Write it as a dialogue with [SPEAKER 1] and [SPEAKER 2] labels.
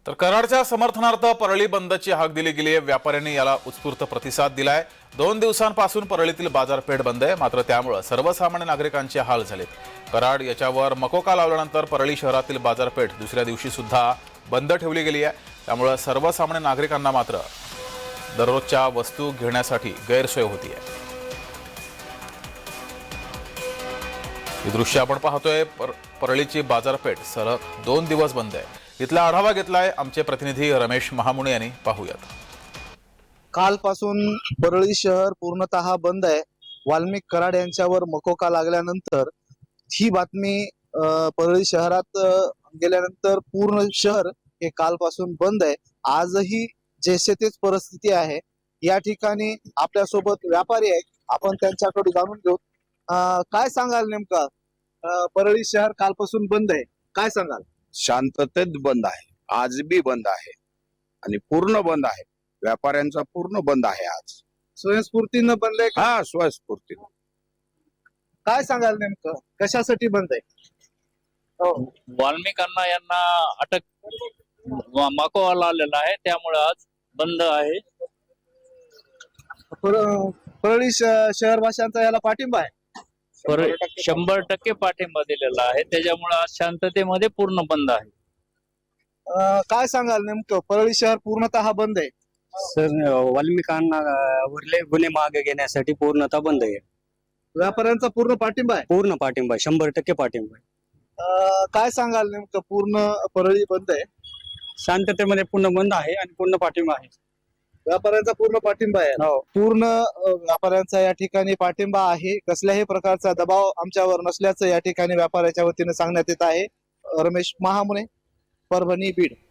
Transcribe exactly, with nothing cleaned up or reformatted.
[SPEAKER 1] तर कराडच्या समर्थनार्थ परळी बंदची हाक दिली गेली आहे। व्यापाऱ्यांनी याला उत्स्फूर्त प्रतिसाद दिलाय। दोन दिवसांपासून परळीतील बाजारपेठ बंद आहे, मात्र त्यामुळे सर्वसामान्य नागरिकांचे हाल झालेत। कराड याच्यावर मकोका लावल्यानंतर परळी शहरातील बाजारपेठ दुसऱ्या दिवशी सुद्धा बंद ठेवली गेली आहे। त्यामुळे सर्वसामान्य नागरिकांना मात्र दररोजच्या वस्तू घेण्यासाठी गैरसोय होती आहे। ही दृश्य आपण पाहतोय। पर, परळीची बाजारपेठ सलग दोन दिवस बंद आहे। इथला आढावा घेतलाय आमचे प्रतिनिधी रमेश महामुणे यांनी। पाहूयात।
[SPEAKER 2] कालपासून परळी शहर पूर्णतः बंद आहे। वाल्मिक कराड यांच्यावर मकोका लागल्यानंतर ही बातमी परळी शहरात गेल्यानंतर पूर्ण शहर हे कालपासून बंद आहे। आजही जैसे तेच परिस्थिती आहे। या ठिकाणी आपल्या सोबत व्यापारी आहेत, आपण त्यांच्याकडे जाणून घेऊ। काय सांगाल नेमका, परळी शहर कालपासून बंद आहे, काय सांगाल?
[SPEAKER 3] शांततेत बंद आहे, आज बी बंद आहे आणि पूर्ण बंद आहे। व्यापाऱ्यांचा पूर्ण बंद आहे आज।
[SPEAKER 2] स्वयंस्फूर्तीनं बंद आहे?
[SPEAKER 3] हा, स्वयंस्फूर्ती।
[SPEAKER 2] काय सांगाल नेमकं, कशासाठी बंद आहे?
[SPEAKER 4] हो, वाल्मिकांना यांना अटक माकोवा आलेला आहे, त्यामुळे आज बंद आहे।
[SPEAKER 2] परळी शहरवासियांचा याला पाठिंबा आहे,
[SPEAKER 4] शंभर टक्के पाठिंबा दिलेला आहे, त्याच्यामुळे आज शांततेमध्ये पूर्ण बंद आहे।
[SPEAKER 2] काय सांगाल नेमकं, परळी शहर पूर्णतः बंद आहे?
[SPEAKER 5] सर, वाल्मिकांना उरले गुन्हे मागे घेण्यासाठी पूर्णतः बंद आहे।
[SPEAKER 2] व्यापाऱ्यांचा पूर्ण पाठिंबा आहे?
[SPEAKER 5] पूर्ण पाठिंबा, शंभर टक्के पाठिंबा आहे।
[SPEAKER 2] काय सांगाल नेमकं, पूर्ण परळी बंद आहे,
[SPEAKER 5] शांततेमध्ये पूर्ण बंद आहे आणि पूर्ण पाठिंबा आहे।
[SPEAKER 2] व्यापाऱ्यांचा पूर्ण पाठिंबा आहे?
[SPEAKER 5] हो,
[SPEAKER 2] पूर्ण व्यापाऱ्यांचा या ठिकाणी पाठिंबा आहे। कसल्याही प्रकारचा दबाव आमच्यावर नसल्याचं या ठिकाणी व्यापाऱ्याच्या वतीने सांगण्यात येत आहे। रमेश महामुने, परभणी, बीड।